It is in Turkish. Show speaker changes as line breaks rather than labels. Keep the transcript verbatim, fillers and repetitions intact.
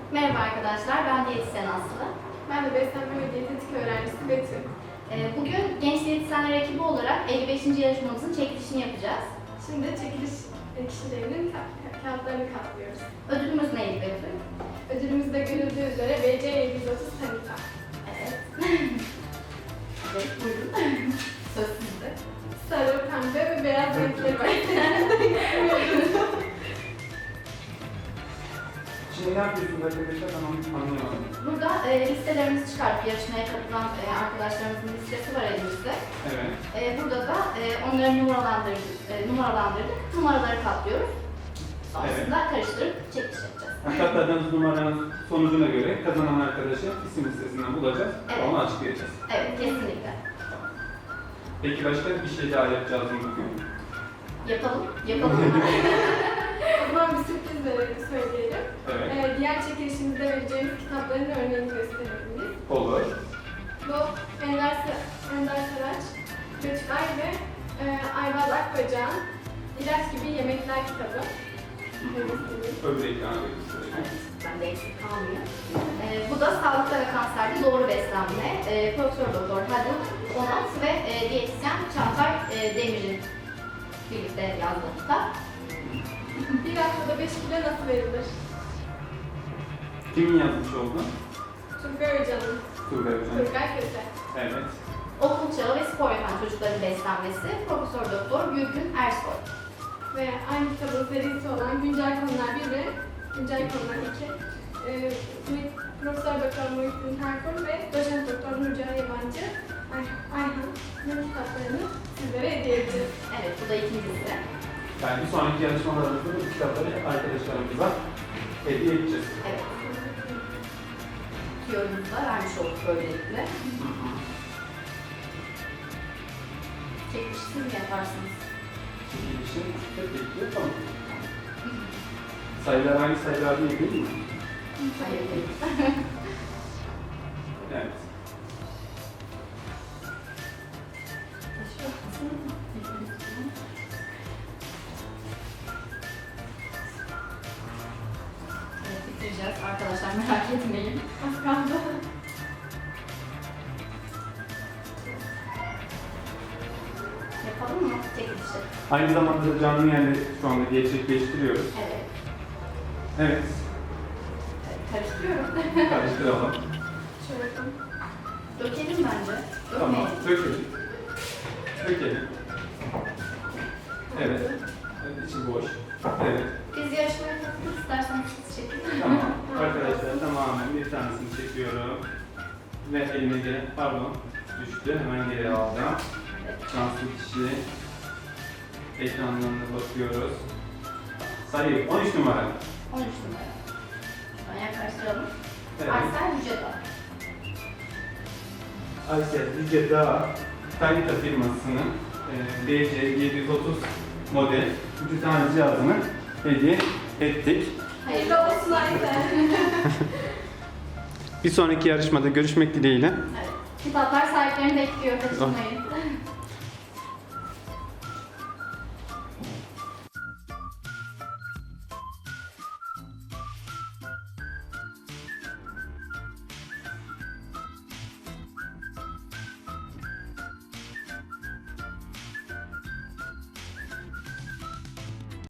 Merhaba arkadaşlar, ben diyetisyen Aslı.
Ben de beslenme ve diyetetik öğrencisi Betül.
Ee, Bugün Genç Diyetisyenler ekibi olarak elli beşinci yarışmamızın çekilişini yapacağız.
Şimdi çekiliş kişilerinin ka- kağıtlarını katlıyoruz.
Ödülümüz neydi Betül?
Ödülümüzde görüldüğü üzere B C yedi yüz otuz Sanita.
Evet. Evet, buyurun. Söz sizde.
Sarı, pembe ve beyaz renkleri var.
Şimdi ne yapıyorsunuz arkadaşlar? Tamam, anlayamadım.
Burada e, listelerimizi çıkartıp yarışmaya katılan e, arkadaşlarımızın listesi var elimizde.
Evet.
E, burada da e, onları numaralandırdık, e, numaralandırdık. Numaraları katlıyoruz. Sonrasında karıştırıp çekiliş yapacağız.
Katladığınız numaranın sonucuna göre kazanan arkadaşı isim listesinden bulacağız.
Evet.
Onu açıklayacağız.
Evet, kesinlikle.
Peki başka bir şey daha yapacağız mı bugün?
Yapalım, yapalım.
O zaman bir sürpriz verelim, söyleyelim.
Evet.
Ee, diğer çekilişimizde vereceğimiz kitapların örneğini gösterebiliriz.
Olur.
Bu Ender, Sa- Ender Saraç, Göçler ve e, Ayvaz Akbacak'ın İlaç Gibi Yemekler kitabı.
Öbür ekrana verin.
Ben de eksik kalmıyor. Ee, bu da sağlıkta ve kanserde doğru beslenme. Ee, Profesör Doktor Halil Onat ve e, diyetisyen Çağatay e, Demir'in birlikte yazdığı kitap.
Bir haftada beş kilo nasıl verilir?
Kimin yazmış oldu?
Turgay Hoca'nın.
Turgay Hocam.
Turgay Köse.
Evet.
Okul çağı ve spor yapan çocukların beslenmesi. Profesör Doktor Gülgün Ersoy.
Ve aynı kitabın serisi olan Güncel Konular bir ve Güncel Konular iki. Ee, Profesör Doktor Muhittin Terkul ve Doçent Doktor Nurcan Yabancı Ay- Ayhan'ın kitaplarını sizlere hediye edeceğiz.
Evet, bu da ikincisi.
Yani bir sonraki yarışmalarımızda bu kitapları arkadaşlarımıza hediye edeceğiz.
Evet. Yorumunuzu da vermiş olduk böylelikle. Çekiliş siz mi yaparsınız?
Çekilişin peki yapalım. Sayılar aynı sayılar değil değil mi?
Hayır, değil.
Evet.
Evet, bitireceğiz arkadaşlar, merak etmeyin.
Az kaldı.
Yapalım mı çekilişi?
Aynı zamanda da canlı yayını şu anda gerçekleştiriyoruz.
Evet.
Evet.
Evet, karıştırıyorum.
Karıştıralım.
Şöyle yapalım.
Dökelim bence.
Tamam.
Dökmeyelim.
Dökelim. Dökelim. Evet. Evet, içi boş. Evet.
Biz yarışmaya katılmak isterseniz siz çekin.
Tamam. Arkadaşlar tamamen bir tanesini çekiyorum. Ve elime gelen, pardon, düştü. Hemen geri aldım.
Evet.
Şanslı kişi. Ekranlarına bakıyoruz. Sayı on üç numara.
on üç numara. Şuradan yaklaştıralım.
Evet.
Aysel Yücedağ.
Aysel Yüce Dağ Tanita firmasının e, B C yedi yüz otuz model üç tane cihazını hediye ettik.
Hayırlı olsun Aysel.
Bir sonraki yarışmada görüşmek dileğiyle.
Evet. Kitaplar sahiplerini bekliyor. Kaçırmayın.